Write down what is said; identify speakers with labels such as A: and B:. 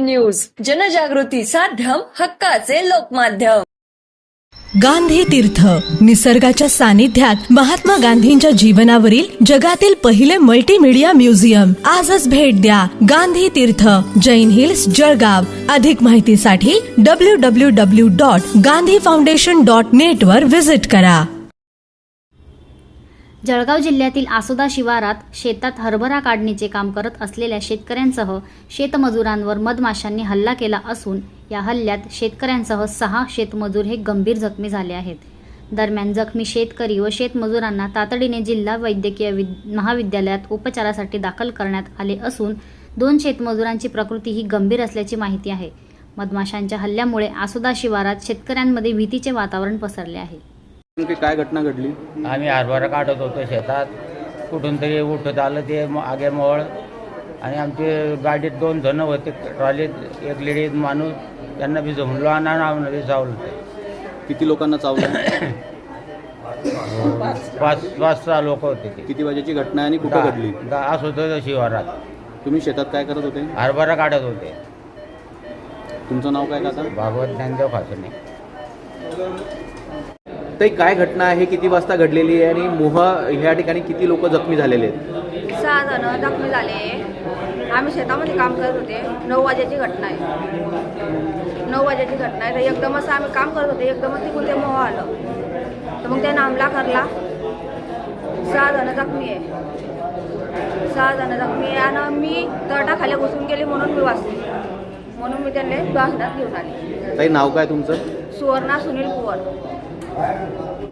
A: News, जनजागृती साध्यम, हक्काचे लोकमाध्यम.
B: गांधी तीर्थ, निसर्गाच्या सानिध्यात महात्मा गांधींच्या जीवनावरील जगातील पहिले मल्टीमीडिया म्युझियम. आजच भेट द्या. गांधी तीर्थ, जैन हिल्स, जळगाव. अधिक माहितीसाठी www.gandhifoundation.net वर विजिट करा.
C: जळगाव जिल्ह्यातील आसोदा शिवारात शेतात हरभरा काढणीचे काम करत असलेल्या शेतकऱ्यांसह शेतमजुरांवर मधमाशांनी हल्ला केला असून या हल्ल्यात शेतकऱ्यांसह 6 शेतमजूर हे गंभीर जखमी झाले आहेत. दरम्यान जखमी शेतकरी व शेतमजुरांना तातडीने जिल्हा वैद्यकीय महाविद्यालयात उपचारासाठी दाखल करण्यात आले असून 2 शेतमजुरांची प्रकृती ही गंभीर असल्याची माहिती आहे. मधमाशांच्या हल्ल्यामुळे आसोदा शिवारात शेतकऱ्यांमध्ये भीतीचे वातावरण पसरले आहे.
D: काय घटना घडली?
E: आम्ही हरभरा काढत होतो शेतात, कुठून तरी उठत आलं ते आगे मोळ आणि आमचे गाडीत 2 जण होते, ट्रॉलीत एक लेडीज माणूस, त्यांना बी जमलो आणि बी चावलं.
D: किती लोकांना चावलं?
E: 5-6 लोक होते ते.
D: किती वाजेची घटना आणि कुठं घडली?
E: आसोदा शिवारात.
D: तुम्ही शेतात काय करत होते?
E: हरभरा काढत होते.
D: तुमचं नाव काय काका?
E: भागवत ज्ञानदेव खासने.
D: ते काय घटना आहे, किती वाजता घडलेली आहे आणि मोहा ह्या ठिकाणी किती लोक जखमी झालेले आहेत?
F: 6 जण जखमी झाले. आम्ही शेतामध्ये काम करत होते. 9 वाजेची घटना आहे. 9 वाजेची घटना आहे. तर एकदमच आम्ही काम करत होते, एकदमच तिकडून ते मोह आलं, तर मग त्यानं हमला करला. 6 जण जखमी आहे. 6 जण जखमी आहे आणि मी तटाखाली घुसून गेली म्हणून मी वाचली, म्हणून मी त्यांना दवाखान्यात घेऊन आली.
D: ताई, नाव काय तुमचं?
F: सुवर्णा सुनील कुवर.